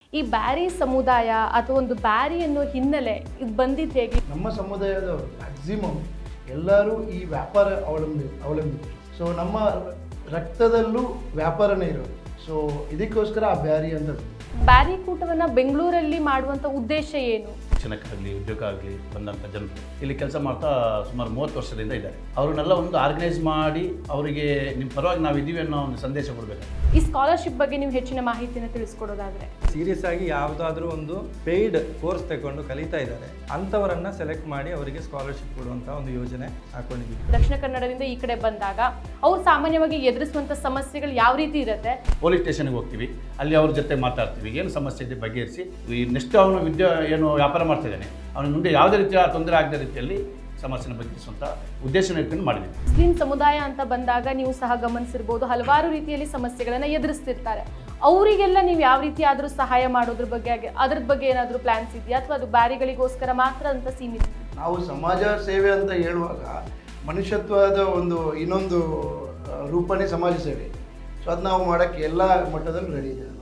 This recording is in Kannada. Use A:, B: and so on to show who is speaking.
A: ಈ ಬ್ಯಾರಿ ಸಮುದಾಯ ಅಥವಾ ಒಂದು ಬ್ಯಾರಿ ಅನ್ನೋ ಹಿನ್ನೆಲೆ ಇದು ಬಂದಿದ್ದು ಹೇಗೆ?
B: ನಮ್ಮ ಸಮುದಾಯದವರು ಮ್ಯಾಕ್ಸಿಮಮ್ ಎಲ್ಲರೂ ಈ ವ್ಯಾಪಾರ ಅವಲಂಬಿತರು. ಸೊ ನಮ್ಮ ರಕ್ತದಲ್ಲೂ ವ್ಯಾಪಾರನೇ ಇರೋದು. ಸೊ ಇದಕ್ಕೋಸ್ಕರ ಆ ಬ್ಯಾರಿ ಅಂತ.
A: ಬ್ಯಾರಿ ಕೂಟವನ್ನು ಬೆಂಗಳೂರಲ್ಲಿ ಮಾಡುವಂಥ ಉದ್ದೇಶ ಏನು?
C: ಶಿಕ್ಷಣಕ್ಕಾಗಲಿ ಉದ್ಯೋಗ ಆಗಲಿ ಬಂದಂಥ ಜನರು ಇಲ್ಲಿ ಕೆಲಸ ಮಾಡ್ತಾ ಸುಮಾರು 30 ವರ್ಷದಿಂದ ಇದ್ದಾರೆ. ಅವ್ರನ್ನೆಲ್ಲ ಒಂದು ಆರ್ಗನೈಸ್ ಮಾಡಿ ಅವರಿಗೆ ನಿಮ್ಮ ಪರವಾಗಿ ನಾವು ಇದ್ದೀವಿ ಅನ್ನೋ ಒಂದು ಸಂದೇಶ ಕೊಡಬೇಕು.
A: ಈ ಸ್ಕಾಲರ್ಶಿಪ್ ಬಗ್ಗೆ ನೀವು ಹೆಚ್ಚಿನ ಮಾಹಿತಿಯನ್ನು ತಿಳಿಸ್ಕೊಡೋದಾದ್ರೆ?
D: ಸೀರಿಯಸ್ ಆಗಿ ಯಾವುದಾದ್ರೂ ಒಂದು ಪೇಯ್ಡ್ ಕೋರ್ಸ್ ತಗೊಂಡು ಕಲಿತಾ ಇದ್ದಾರೆ ಅಂಥವರನ್ನ ಸೆಲೆಕ್ಟ್ ಮಾಡಿ ಅವರಿಗೆ ಸ್ಕಾಲರ್ಶಿಪ್ ಕೊಡುವಂಥ ಒಂದು ಯೋಜನೆ ಹಾಕೊಂಡಿದ್ದೀವಿ.
A: ದಕ್ಷಿಣ ಕನ್ನಡದಿಂದ ಈ ಕಡೆ ಬಂದಾಗ ಅವ್ರು ಸಾಮಾನ್ಯವಾಗಿ ಎದುರಿಸುವಂಥ ಸಮಸ್ಯೆಗಳು ಯಾವ ರೀತಿ ಇರುತ್ತೆ?
C: ಪೊಲೀಸ್ ಸ್ಟೇಷನ್ಗೆ ಹೋಗ್ತೀವಿ, ಅಲ್ಲಿ ಅವ್ರ ಜೊತೆ ಮಾತಾಡ್ತೀವಿ, ಏನು ಸಮಸ್ಯೆ ಇದೆ ಬಗೆಹರಿಸಿ ಈ ನೆಕ್ಸ್ಟ್ ಅವನು ಏನು ವ್ಯಾಪಾರ ಮಾಡ್ತಿದ್ದಾನೆ ಅವನಿಗೆ ಮುಂದೆ ಯಾವುದೇ ರೀತಿಯ ತೊಂದರೆ ಆಗದ ರೀತಿಯಲ್ಲಿ ಸಮಸ್ಯೆನ ಬಗೆಹರಿಸುವಂಥ ಉದ್ದೇಶನ ಇಟ್ಕೊಂಡು ಮಾಡಿದ್ದೀವಿ.
A: ಮುಸ್ಲಿಂ ಸಮುದಾಯ ಅಂತ ಬಂದಾಗ ನೀವು ಸಹ ಗಮನಿಸಿರ್ಬೋದು, ಹಲವಾರು ರೀತಿಯಲ್ಲಿ ಸಮಸ್ಯೆಗಳನ್ನು ಎದುರಿಸ್ತಿರ್ತಾರೆ. ಅವರಿಗೆಲ್ಲ ನೀವು ಯಾವ ರೀತಿ ಆದರೂ ಸಹಾಯ ಮಾಡೋದ್ರ ಬಗ್ಗೆ ಏನಾದರೂ ಪ್ಲಾನ್ಸ್ ಇದೆಯಾ, ಅಥವಾ ಅದು ಬ್ಯಾರಿಗಳಿಗೋಸ್ಕರ ಮಾತ್ರ ಅಂತ ಸೀಮಿತ?
B: ನಾವು ಸಮಾಜ ಸೇವೆ ಅಂತ ಹೇಳುವಾಗ ಮನುಷ್ಯತ್ವದ ಇನ್ನೊಂದು ರೂಪನೇ ಸಮಾಜ ಸೇವೆ. ಸೊ ಅದು ನಾವು ಮಾಡೋಕ್ಕೆ ಎಲ್ಲ ಮಟ್ಟದಲ್ಲೂ ರೆಡಿ ಇದೆ.